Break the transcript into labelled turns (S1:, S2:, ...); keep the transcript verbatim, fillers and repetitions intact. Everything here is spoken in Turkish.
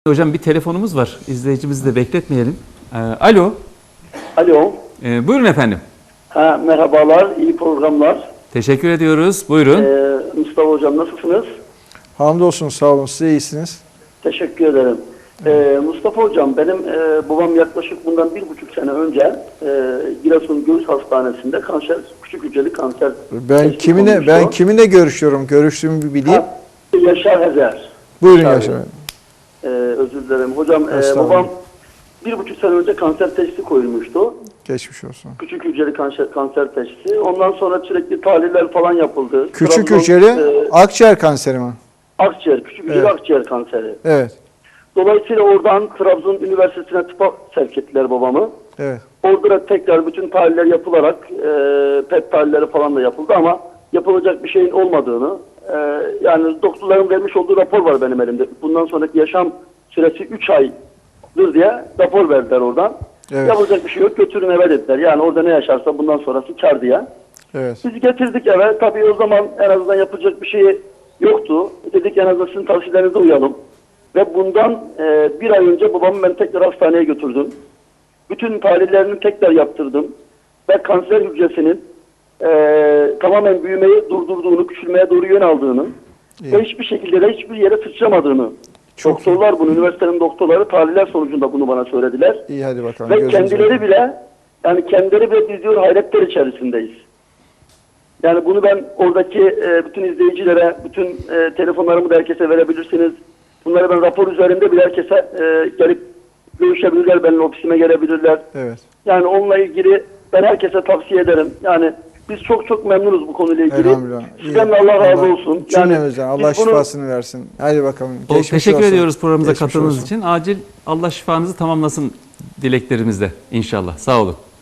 S1: Hocam bir telefonumuz var. İzleyicimizi de bekletmeyelim. Ee, alo.
S2: Alo.
S1: Ee, buyurun efendim.
S2: Ha, merhabalar, iyi programlar.
S1: Teşekkür ediyoruz. Buyurun.
S2: Ee, Mustafa Hocam nasılsınız?
S3: Hamdolsun, sağ olun. Siz iyisiniz.
S2: Teşekkür ederim. Ee, Mustafa Hocam, benim e, babam yaklaşık bundan bir buçuk sene önce e, Giresun Göğüs Hastanesi'nde kanser, küçük hücreli kanser.
S3: Ben kiminle
S2: olmuştu.
S3: ben kiminle görüşüyorum? Görüştüğümü bir bileyim.
S2: Ha, Yaşar Hezer.
S3: Buyurun
S2: Tabii.
S3: Yaşar.
S2: Ee, özür dilerim. Hocam e,
S3: Estağfurullah.
S2: babam bir buçuk sene önce kanser teşhisi koyulmuştu.
S3: Geçmiş olsun.
S2: Küçük hücreli kanser, kanser teşhisi. Ondan sonra sürekli tahliller falan yapıldı.
S3: Küçük
S2: Trabzon,
S3: hücreli
S2: e,
S3: akciğer kanseri mi?
S2: akciğer, küçük hücreli
S3: Evet.
S2: akciğer kanseri.
S3: Evet.
S2: Dolayısıyla oradan Trabzon Üniversitesi'ne tıpa sevk ettiler babamı.
S3: Evet.
S2: Orada da tekrar bütün tahliller yapılarak e, P E T tahlilleri falan da yapıldı ama yapılacak bir şeyin olmadığını, e, yani doktorların vermiş olduğu rapor var benim elimde. Bundan sonraki yaşam süresi üç aydır diye rapor verdiler oradan.
S3: Evet.
S2: Yapılacak bir şey yok, götürün eve dediler. Yani orada ne yaşarsa bundan sonrası kar diye.
S3: Evet.
S2: Biz getirdik eve. Tabii o zaman en azından yapacak bir şey yoktu. Dedik en azından sizin tavsiyelerinize uyalım. Ve bundan e, bir ay önce babamı ben tekrar hastaneye götürdüm. Bütün tahlillerini tekrar yaptırdım. Ve kanser hücresinin e, tamamen büyümeyi durdurduğunu, küçülmeye doğru yön aldığını
S3: İyi.
S2: ve hiçbir şekilde de hiçbir yere sıçramadığını.
S3: Çok
S2: doktorlar bunu, üniversitenin doktorları tahliller sonucunda bunu bana söylediler.
S3: İyi, hadi bakalım.
S2: Ve
S3: Gözünüz
S2: kendileri
S3: aydın.
S2: bile, yani kendileri bile biz diyor hayretler içerisindeyiz. Yani bunu ben oradaki e, bütün izleyicilere, bütün e, telefonlarımı da herkese verebilirsiniz. Bunları ben rapor üzerinde bile herkese e, gelip görüşebilirler, benim ofisime gelebilirler.
S3: Evet.
S2: Yani onunla ilgili ben herkese tavsiye ederim. Yani biz çok çok memnunuz bu konuyla ilgili.
S3: Elhamdülillah. İyi.
S2: Sizden de Allah razı olsun.
S3: Cümlemizden Allah
S2: biz bunu-
S3: şifasını versin. Hadi bakalım.
S1: O,
S3: Geçmiş
S1: teşekkür
S3: olsun.
S1: ediyoruz programımıza
S3: Geçmiş
S1: katıldığınız
S3: olsun.
S1: için. Acil Allah şifanızı tamamlasın dileklerimizle inşallah. Sağ olun.